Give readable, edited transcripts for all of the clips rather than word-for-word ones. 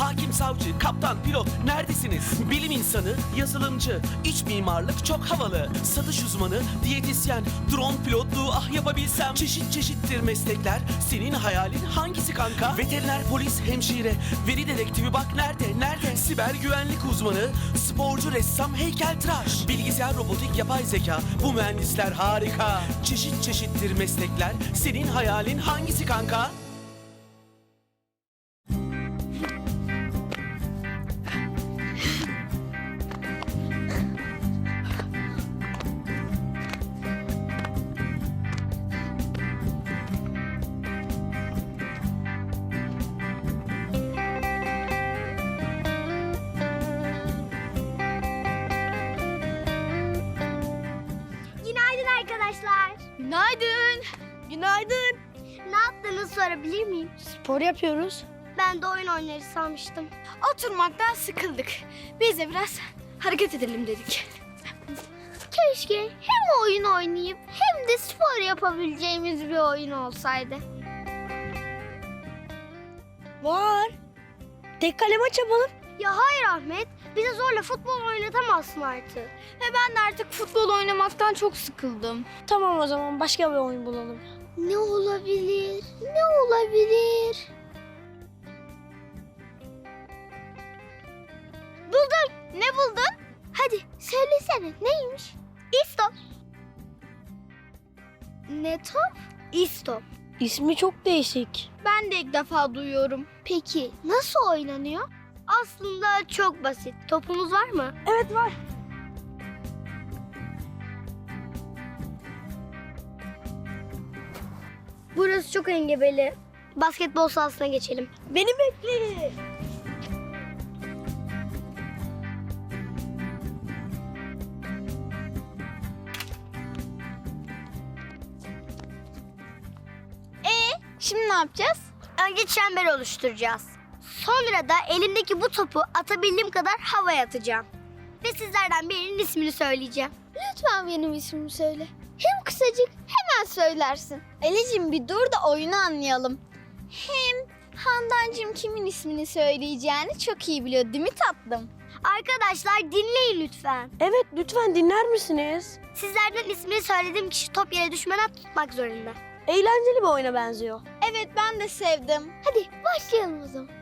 Hakim, savcı, kaptan, pilot neredesiniz? Bilim insanı, yazılımcı, iç mimarlık çok havalı. Satış uzmanı, diyetisyen, drone pilotluğu ah yapabilsem. Çeşit çeşittir meslekler, senin hayalin hangisi kanka? Veteriner, polis, hemşire, veri dedektifi bak nerede? Siber güvenlik uzmanı, sporcu, ressam, heykeltıraş. Bilgisayar, robotik, yapay zeka, bu mühendisler harika. Çeşit çeşittir meslekler, senin hayalin hangisi kanka? Günaydın arkadaşlar. Günaydın. Günaydın. Ne yaptığınızı sorabilir miyim? Spor yapıyoruz. Ben de oyun oynarız sanmıştım. Oturmaktan sıkıldık. Biz de biraz hareket edelim dedik. Keşke hem oyun oynayıp hem de spor yapabileceğimiz bir oyun olsaydı. Var. Tek kale maç yapalım. Ya hayır Ahmet, bize zorla futbol oynatamazsın artık. Ben de artık futbol oynamaktan çok sıkıldım. Tamam o zaman başka bir oyun bulalım. Ne olabilir? Ne olabilir? Buldum. Ne buldun? Hadi söylesene neymiş? İstop. Ne top? İstop. İsmi çok değişik. Ben de ilk defa duyuyorum. Peki nasıl oynanıyor? Aslında çok basit. Topumuz var mı? Evet var. Burası çok engebeli. Basketbol sahasına geçelim. Beni bekle. Şimdi ne yapacağız? Önce çember oluşturacağız. Sonra da elimdeki bu topu atabildiğim kadar havaya atacağım. Ve sizlerden birinin ismini söyleyeceğim. Lütfen benim ismimi söyle. Hem kısacık hemen söylersin. Elicim bir dur da oyunu anlayalım. Hem Handancığım kimin ismini söyleyeceğini çok iyi biliyor değil mi tatlım? Arkadaşlar dinleyin lütfen. Evet lütfen dinler misiniz? Sizlerden ismini söylediğim kişi top yere düşmeden tutmak zorunda. Eğlenceli bir oyuna benziyor. Evet ben de sevdim. Hadi başlayalım o zaman.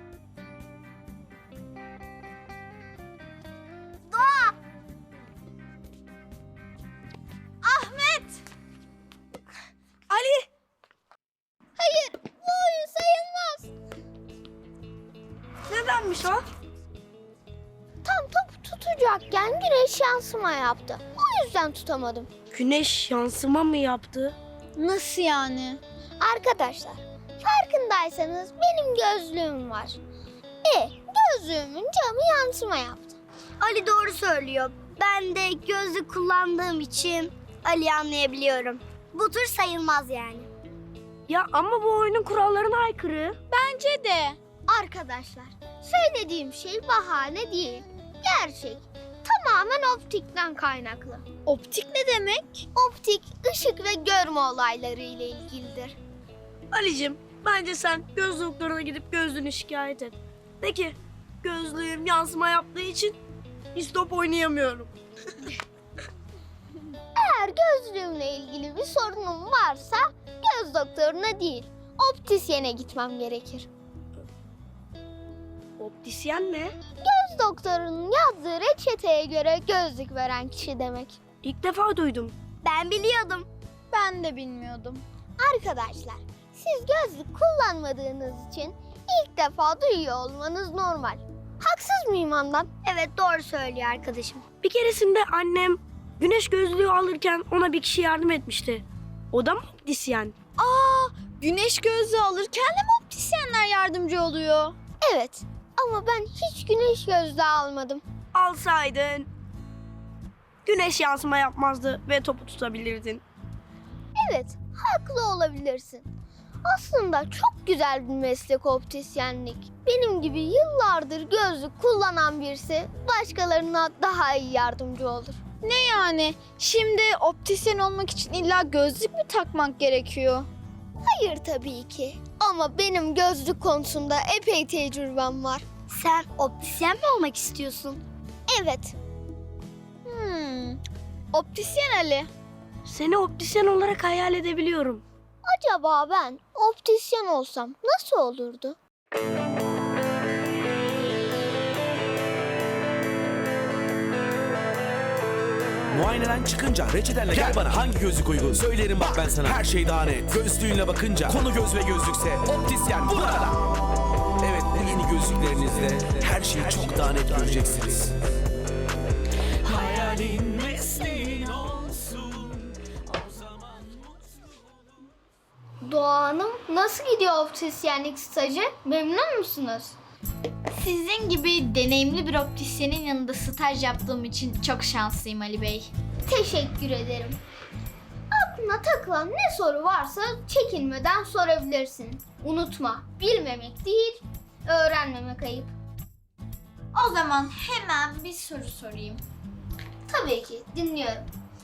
Doğa! Ahmet! Ali! Hayır bu oyun sayılmaz. Nedenmiş o? Tam topu tutacakken güneş yansıma yaptı. O yüzden tutamadım. Güneş yansıma mı yaptı? Nasıl yani? Arkadaşlar, farkındaysanız benim gözlüğüm var. Gözlüğümün camı yansıma yaptı. Ali doğru söylüyor. Ben de gözlük kullandığım için Ali'yi anlayabiliyorum. Bu tür sayılmaz yani. Ya ama bu oyunun kurallarına aykırı. Bence de. Arkadaşlar, söylediğim şey bahane değil. Gerçek. Tamamen optikten kaynaklı. Optik ne demek? Optik, ışık ve görme olayları ile ilgilidir. Ali'cim bence sen göz doktoruna gidip gözlüğünü şikayet et. De ki gözlüğüm yansıma yaptığı için istop oynayamıyorum. Eğer gözlüğümle ilgili bir sorunum varsa göz doktoruna değil, optisyene gitmem gerekir. Optisyen ne? Göz doktorunun yazdığı reçeteye göre gözlük veren kişi demek. İlk defa duydum. Ben biliyordum. Ben de bilmiyordum. Arkadaşlar, siz gözlük kullanmadığınız için ilk defa duyuyor olmanız normal. Haksız mıyım Handan? Evet, doğru söylüyor arkadaşım. Bir keresinde annem güneş gözlüğü alırken ona bir kişi yardım etmişti. O da mı optisyen? Güneş gözlüğü alırken de mi optisyenler yardımcı oluyor? Evet, ama ben hiç güneş gözlüğü almadım. Alsaydın güneş yansıma yapmazdı ve topu tutabilirdin. Evet, haklı olabilirsin. Aslında çok güzel bir meslek optisyenlik. Benim gibi yıllardır gözlük kullanan birisi başkalarına daha iyi yardımcı olur. Ne yani? Şimdi optisyen olmak için illa gözlük mü takmak gerekiyor? Hayır tabii ki. Ama benim gözlük konusunda epey tecrübem var. Sen optisyen mi olmak istiyorsun? Evet. Optisyen Ali. Seni optisyen olarak hayal edebiliyorum. Acaba ben optisyen olsam nasıl olurdu? Muayeneden çıkınca reçetenle gel bana hangi gözlük uygun? Söylerim bak ben sana her şey daha net. Gözlüğünle bakınca konu göz ve gözlükse optisyen burada. Evet, bu yeni gözlüklerinizle her şeyi çok daha net göreceksiniz. Hayalin mesleğin olsun. O zaman Doğa Hanım, nasıl gidiyor optisyenlik stajı? Memnun musunuz? Sizin gibi deneyimli bir optisyenin yanında staj yaptığım için çok şanslıyım Ali Bey. Teşekkür ederim. Aklına takılan ne soru varsa çekinmeden sorabilirsin. Unutma, bilmemek değil, öğrenmemek ayıp. O zaman hemen bir soru sorayım. Tabii ki, dinliyorum.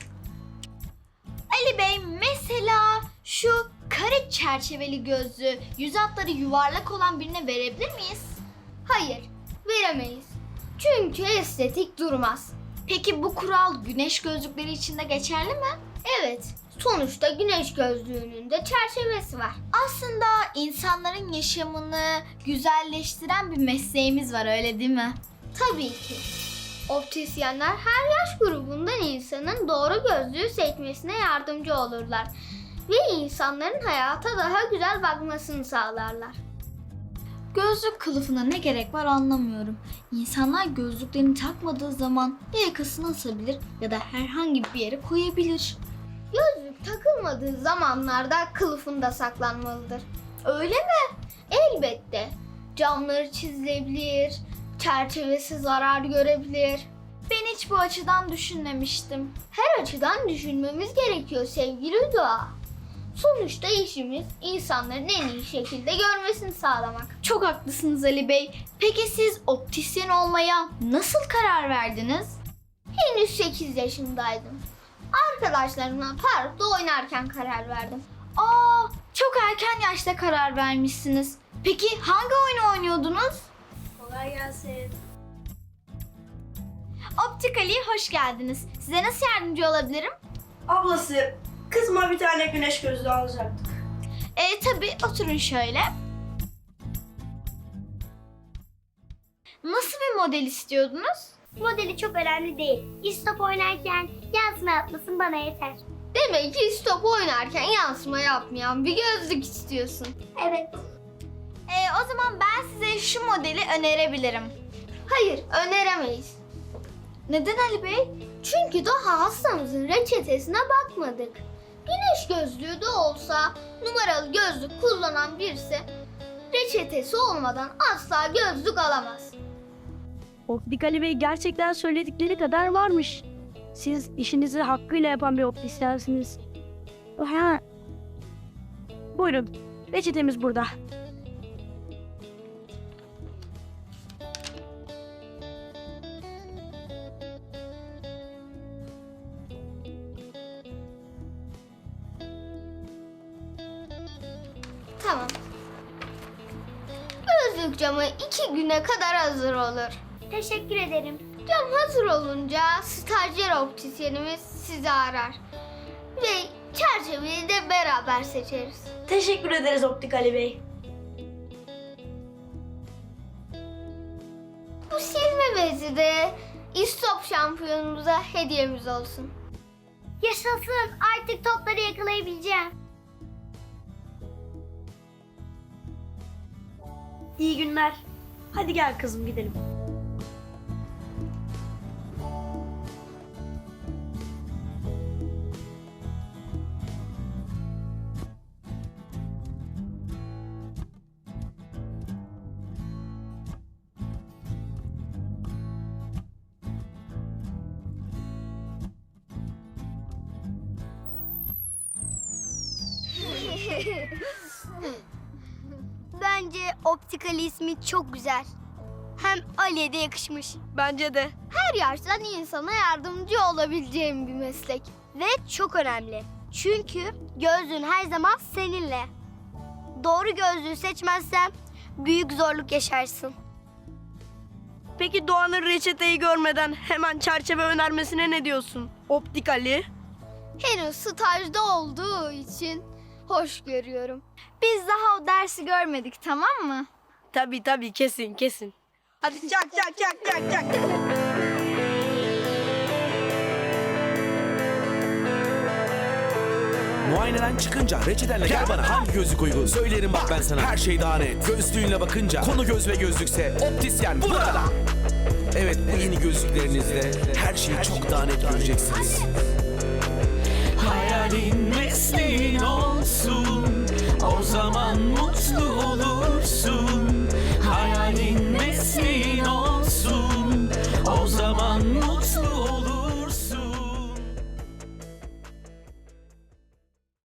Ali Bey, mesela şu kare çerçeveli gözlüğü yüz hatları yuvarlak olan birine verebilir miyiz? Hayır, veremeyiz. Çünkü estetik durmaz. Peki bu kural güneş gözlükleri için de geçerli mi? Evet, sonuçta güneş gözlüğünün de çerçevesi var. Aslında insanların yaşamını güzelleştiren bir mesleğimiz var, öyle değil mi? Tabii ki. Optisyenler her yaş grubundan insanın doğru gözlüğü seçmesine yardımcı olurlar. Ve insanların hayata daha güzel bakmasını sağlarlar. Gözlük kılıfına ne gerek var anlamıyorum. İnsanlar gözlüklerini takmadığı zaman ya yakasına asabilir ya da herhangi bir yere koyabilir. Gözlük takılmadığı zamanlarda kılıfında saklanmalıdır. Öyle mi? Elbette. Camları çizilebilir, çerçevesi zarar görebilir. Ben hiç bu açıdan düşünmemiştim. Her açıdan düşünmemiz gerekiyor sevgili Doğa. Sonuçta işimiz insanların en iyi şekilde görmesini sağlamak. Çok haklısınız Ali Bey. Peki siz optisyen olmaya nasıl karar verdiniz? Henüz 8 yaşındaydım. Arkadaşlarımla parkta oynarken karar verdim. Aa, çok erken yaşta karar vermişsiniz. Peki hangi oyunu oynuyordunuz? Kolay gelsin. Optik Ali, hoş geldiniz. Size nasıl yardımcı olabilirim? Ablası, kızıma bir tane güneş gözlüğü alacaktık. Tabii, oturun şöyle. Nasıl bir model istiyordunuz? Modeli çok önemli değil. İstop oynarken yansıma yapmasın bana yeter. Demek ki istop oynarken yansıma yapmayan bir gözlük istiyorsun. Evet. O zaman ben size şu modeli önerebilirim. Hayır, öneremeyiz. Neden Ali Bey? Çünkü daha hastamızın reçetesine bakmadık. Güneş gözlüğü de olsa numaralı gözlük kullanan birisi reçetesi olmadan asla gözlük alamaz. Optik Ali Bey gerçekten söyledikleri kadar varmış. Siz işinizi hakkıyla yapan bir optisyensiniz. Ha. Buyurun, reçetemiz burada. Tamam. Gözlük camı 2 güne kadar hazır olur. Teşekkür ederim. Cam hazır olunca stajyer optisyenimiz sizi arar. Ve çerçeveyi de beraber seçeriz. Teşekkür ederiz Optik Ali Bey. Bu silme bezi de İstop şampiyonumuza hediyemiz olsun. Yaşasın, artık topları yakalayabileceğim. İyi günler. Hadi gel kızım gidelim. Bence Optik Ali ismi çok güzel. Hem Ali'ye de yakışmış. Bence de. Her yaştan insana yardımcı olabileceğim bir meslek. Ve çok önemli. Çünkü gözlüğün her zaman seninle. Doğru gözlüğü seçmezsen büyük zorluk yaşarsın. Peki Doğan'ın reçeteyi görmeden hemen çerçeve önermesine ne diyorsun? Optik Ali. Henüz stajda olduğu için hoş görüyorum. Biz daha o dersi görmedik, tamam mı? Tabii kesin. Hadi çak. Muayeneden çıkınca reçetenle gel bana. Hangi gözlük uygun? Söylerim bak ben sana. Her şey daha net. Gözlüğünle bakınca konu göz ve gözlükse optisyen burada. Evet, bu yeni gözlüklerinizle her şeyi çok daha net göreceksiniz.